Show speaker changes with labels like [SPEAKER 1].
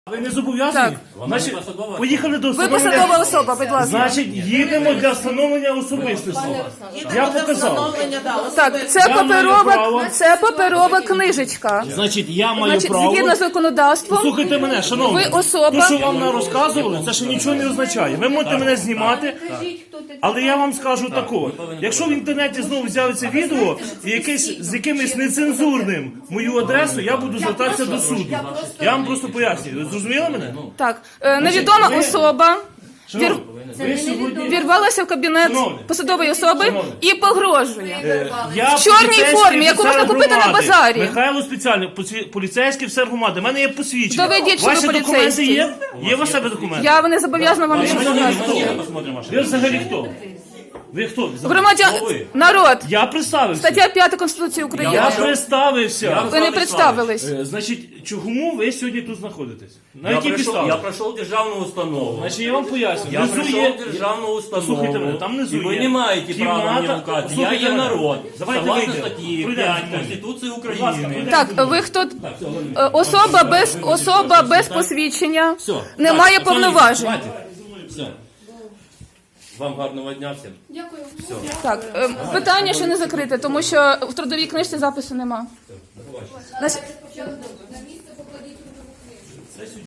[SPEAKER 1] Ви не зобов'язані?
[SPEAKER 2] Так.
[SPEAKER 1] Значить, поїхали до
[SPEAKER 2] Ви
[SPEAKER 1] встановлення.
[SPEAKER 2] посадова особа, будь ласка.
[SPEAKER 1] Значить, їдемо для встановлення особистості. Я показав.
[SPEAKER 2] Так, це паперова книжечка.
[SPEAKER 1] Значить, я маю
[SPEAKER 2] Значить,
[SPEAKER 1] право.
[SPEAKER 2] згідно з законодавством,
[SPEAKER 1] Слухайте мене, шановні.
[SPEAKER 2] ви особа-
[SPEAKER 1] То, що вам не розказували, це ще нічого не означає. Ви можете мене знімати, але я вам скажу такого. Якщо в інтернеті знову з'явиться відео і з якимось нецензурним мою адресу, я буду звертатися до суду. Я вам просто пояснюю. Ви зрозуміли мене?
[SPEAKER 2] так, невідома особа
[SPEAKER 1] Шановні, ви сьогодні...
[SPEAKER 2] вірвалася в кабінет
[SPEAKER 1] Шановні.
[SPEAKER 2] посадової особи
[SPEAKER 1] Шановні.
[SPEAKER 2] і погрожує.
[SPEAKER 1] Я
[SPEAKER 2] В чорній
[SPEAKER 1] поліцейський
[SPEAKER 2] формі, яку можна
[SPEAKER 1] офіцер
[SPEAKER 2] купити на
[SPEAKER 1] громади.
[SPEAKER 2] базарі.
[SPEAKER 1] Михайло спеціально, поліцейський офіцер громади. У мене є посвідчення.
[SPEAKER 2] Доведіть, що ви
[SPEAKER 1] Ваші документи
[SPEAKER 2] поліцейський.
[SPEAKER 1] є? Є у себе документи?
[SPEAKER 2] Я не зобов'язана вам нічого показувати.
[SPEAKER 1] Ви взагалі хто? Ви хто?
[SPEAKER 2] Громадян, народ,
[SPEAKER 1] Я представився.
[SPEAKER 2] стаття 5 Конституції України.
[SPEAKER 1] Я представився.
[SPEAKER 2] Ви не представились.
[SPEAKER 1] Значить, чому ви сьогодні тут знаходитесь? На
[SPEAKER 3] Я
[SPEAKER 1] якій
[SPEAKER 3] прийшов,
[SPEAKER 1] підставі?
[SPEAKER 3] я пройшов державну установу.
[SPEAKER 1] Значить, я вам поясню.
[SPEAKER 3] Я
[SPEAKER 1] Внизу
[SPEAKER 3] прийшов
[SPEAKER 1] є...
[SPEAKER 3] в державну установу.
[SPEAKER 1] Слухайте мене, там внизу
[SPEAKER 3] і ви
[SPEAKER 1] є
[SPEAKER 3] не маєте права
[SPEAKER 1] кімната.
[SPEAKER 3] мені вказати. Я
[SPEAKER 1] Слухайте
[SPEAKER 3] є
[SPEAKER 1] мене.
[SPEAKER 3] народ.
[SPEAKER 1] Давайте
[SPEAKER 3] Согласно
[SPEAKER 1] вийдемо.
[SPEAKER 3] статті
[SPEAKER 1] Пройдемо
[SPEAKER 3] 5
[SPEAKER 1] зі мною.
[SPEAKER 3] Конституції
[SPEAKER 1] Будь ласка,
[SPEAKER 3] України.
[SPEAKER 2] Так, ви хто? Особа без посвідчення
[SPEAKER 3] Все.
[SPEAKER 2] не має повноважень.
[SPEAKER 3] Все. Вам гарного дня всім.
[SPEAKER 2] Так, питання ще не закрите, тому що в трудовій книжці запису нема.